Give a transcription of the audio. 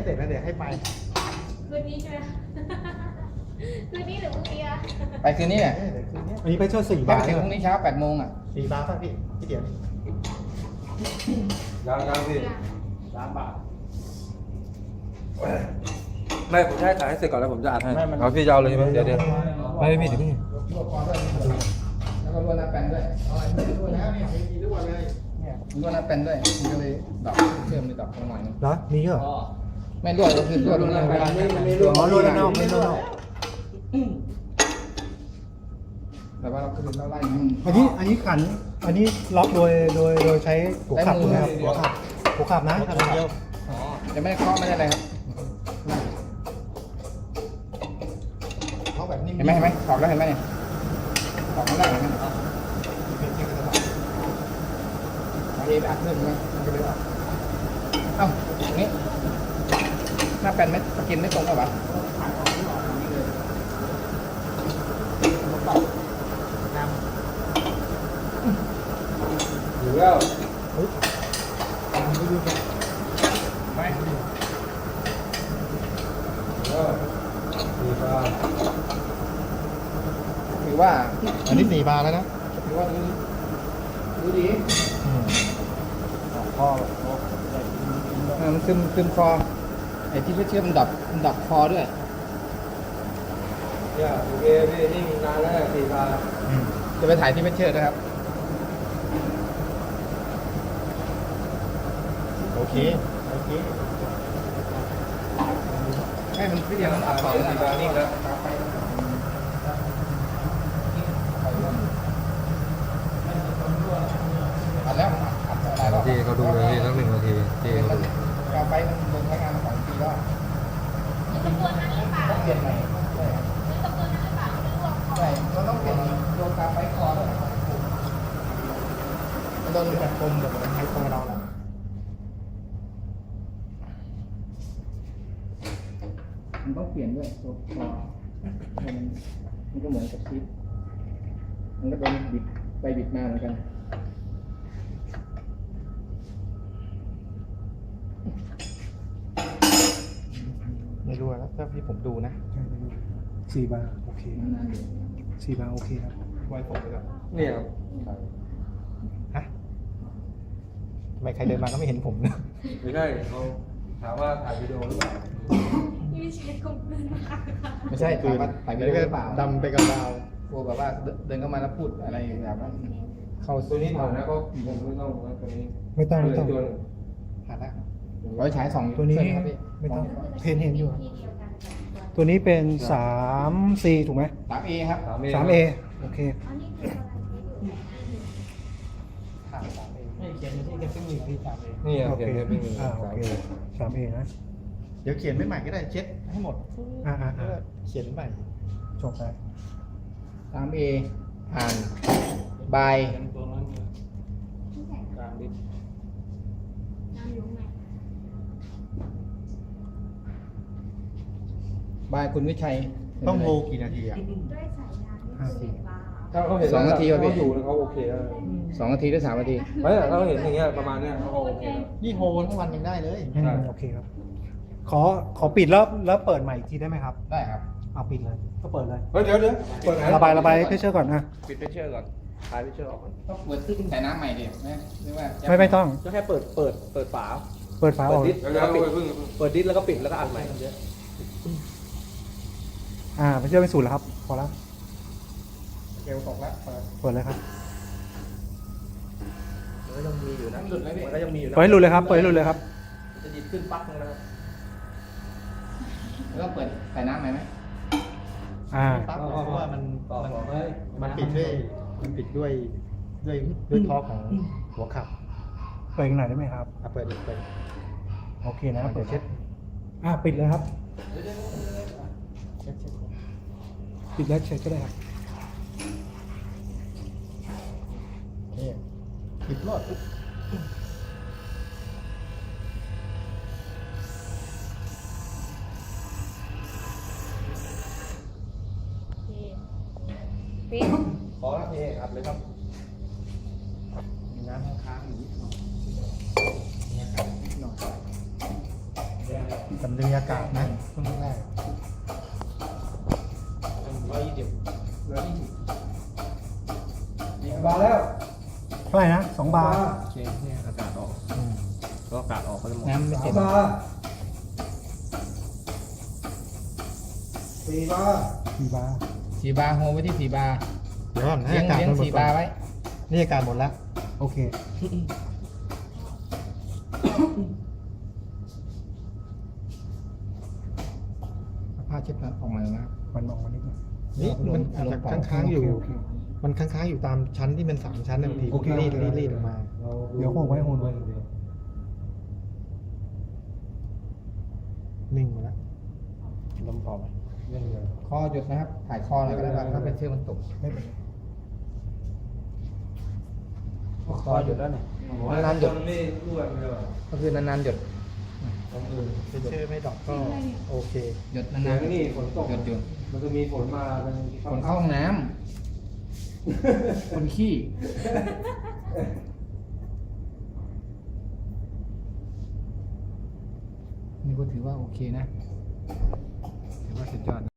เสร็จแล้วเดี๋ยวให้ไปคืนนี้ใช่ไหมคืนนี้หรือพรุ่งนี้อะไปคืนนี้เนี่ยเดี๋ยวคืนนี้อันนี้ไปเช่า4 ไปบาทถึงพรุ่งนี้เช้า8 โมงอ่ะ 4 บาทป่ะพี่เดี๋ยวยังพี่ 3 บาทไม่ผมจะให้ถ่ายให้เสร็จก่อนแล้วผมจะอัดให้ไม่มันเอาพี่จะเอาเลยใช่ไหมเดี๋ยวไม่พี่เดี๋ยวพี่ลวกคอด้วยแล้วก็ลวกหน้าแป้นด้วยไม่รู้แล้วเนี่ยมีด้วยเลยเนี่ยลวกหน้าแป้นด้วยมันก็เลยดอกเชื่อมเลยดอกลงหน่อยนึงเหรอมีเหรอไม่ลวกก็คือลวกลงหน้าแป้นอ๋อลวกด้านนอกไม่ลวกด้านนอกแต่ว่าเราคือเราไล่มันอันนี้ขันอันนี้ล็อกโดยใช้หัวขับถูกไหมครับหัวขับนะเดียวจะไม่ได้เคาะไม่ได้อะไรครับเขาแบบนี้เห็นไหมถอดแล้วเห็นไหมเนี่ยถอดไม่ได้เห็นไหมเออัดเพิ่มไหมมันก็เลยออกเอ้าตรงนี้หน้าแป้นไม่กินไม่ตรงกับวะอยู่แล้วไม่ดีป่ะถือว่าอันนี้4 บาทแล้วนะถือว่าดูดีมันซึมคอไอ้ที่เชื่อมดับคอด้วยเนี่ยโอเคพี่นี่นานแล้ว4 บาทจะไปถ่ายที่เพชรเชิดนะครับโอเคให้มันพี่เดียวมันอัดต่อ 4 บาทนี่แล้วอัดแล้วอัดหลายรอบทีเขาดูเลยสัก1 นาทีทีเขาดูกาไฟมันลงใช้งานมา2 ปีแล้วตะกวนนั้นหรือเปล่าต้องเปลี่ยนใหม่หรือตะกวนนั้นหรือเปล่าที่รวมคอใช่เราต้องเปลี่ยนโยกาไฟคอด้วยมันโดนแบบกลมแบบมันให้ตัวเราแหละมันต้องเปลี่ยนด้วยตัวคอมันก็เหมือนกับชิปมันก็โดนบิดไปบิดมาเหมือนกันไม่รู้แล้วถ้าพี่ผมดูนะ 4 บาทโอเค4 บาทโอเคครับไว้ผมไปก่อนนี่ครับฮะทำไมใครเดินมาก็ไม่เห็นผมนะไม่ใช่เขาถามว่าถ่ายวิดีโอหรือเปล่าที่ไม่ใช่คอมพิวเตอร์นะคะไม่ใช่ถามว่าถ่ายวิดีโอหรือเปล่าดำไปกับดาวกลัวแบบว่าเดินเข้ามาแล้วพูดอะไรแบบว่าเข้าตัวนี้ถอดนะก็ผมไม่ต้องนะตัวนี้ไม่ต้องตัวนึงผ่านแล้วไว้ฉาย2 ตัวนี้เส้ครับพี่ไม่ต้องเห็นอยู่ที่เดียวกันกับตัวตัวนี้เป็น 3C ถูกไหม 3A ครับ 3A โอเคอ๋อนี่คืออะไรที่อยู่ผ่าน3 เองไม่เขียนที่แค่ซึ่ง1ที่3 เองนี่ครับโอเขีเคยนได้เป็นโอเค 3A นะเดี๋ยวเขียนไม่ใหม่ก็ได้เช็ดให้หมดอ่าเขียนใหม่จบไป 3A ผ่านบายที่ไหนกลางดิบน้ำอยู่ไหนบายคุณวิชัยต้องโฮกี่นาทีอ่ะด้วยสายยางที่เสียบ้าถ้าเขาเห็น 2 นาทีป่ะพี่เขาอยู่แล้วเขาโอเคแล้ว 2 นาทีหรือ3 นาทีไม่ถ้าเขาเห็นอย่างเงี้ยประมาณเนี้ยเขาก็โอเคแล้วนี่โฮทั้งวันยังได้เลยโอเคครับ ขอปิดแล้วเปิดใหม่อีกทีได้ไหมครับได้ครับเอาปิดเลย ก็เปิดเลยเฮ้ยเดี๋ยวเปิดไหนระบายเพชเชอร์ก่อนนะปิดเพชเชอร์ก่อนถ่ายเพชเชอร์ออกก่อนต้องเปิดขึ้นแต่น้ำใหม่ดิหรือว่าจะไม่ต้องก็แค่เปิดฝาเปิดฝาอเปิอดกดิสเดี๋ยวแล้วก็ปิดเพิ่งเปิดดิสแล้วก็ปิดแล้วก็อัดใหม่เพชเชอร์เป็น0แล้วครับ พอแล้วเกลตกแล้วเปิดเลยครับมันก็ยังมีอยู่นะหลุดไหมพี่มันก็ยังมีอยู่นะเปิดให้หลุดเลยครับ เปิดให้หลุดเลยครับจะดิสขึ้นปั๊กนึงนะครับแล้วต้องเปิดใส่น้ำใหม่ไหมปั๊บเพราะว่ามันปิดด้วยท่อของหัวขับเปิดอีกหน่อยได้ไหมครับเปิดอีกเปิดโอเคนะเปิดเช็ดปิดเลยครับเช็ดปิดแล้วเช็ดก็ได้ครับโอเคปิดรอดปุ๊บปิดขอครับพี่อัดเลยครับมีน้ำค้างอยู่นิดหน่อยมีอากาศนิดหน่อยสำลีอากาศนะช่วงแรกบาแล้วเท่าไหร่นะ2 บาร์โอเคเนี่ยอากาศออกอืมก็อากาศออกก็จะหมดน้ำไม่เต็ม 4 บาร์ 4 บาร์ 4 บาร์โฮไว้ที่4 บาร์เดี๋ยวก่อนให้เลี้ยงอากาศเลี้ยงมันหมด 4 ก่บาอนร์ไว้นี่อากาศหมดแล้ว โอเค ผ้าเช็ดหน้าออกมาแล้วนะมันออกมานิดหนึงนี่มันอาจจะค้างๆอยู่ มันค้างๆอยู่ตามชั้นที่มัน3 ชั้นนะบางทีรีดออกมา เดี๋ยวโฮไว้โฮไว้นิ่งหมดแล้วลมพอไหมคอหยุดนะครับ ถ่ายคอหน่อยก็ได้ครับถ้าเป็นเชือกมันตกไม่เป็นไรคอหยุดแล้วเนี่ยนานๆหยดไม่รั่วไม่เลยก็คือนานๆหยุดเป็นเชื่อไม่ดอกก็โอเคหยุดนานานๆนี่ฝนตกๆหยุดหยุดมันจะมีฝนมาเป็นคนเข้าห้องน้ำคนขี้ นี่ก็ถือว่าโอเคนะ ถือว่าสุดยอด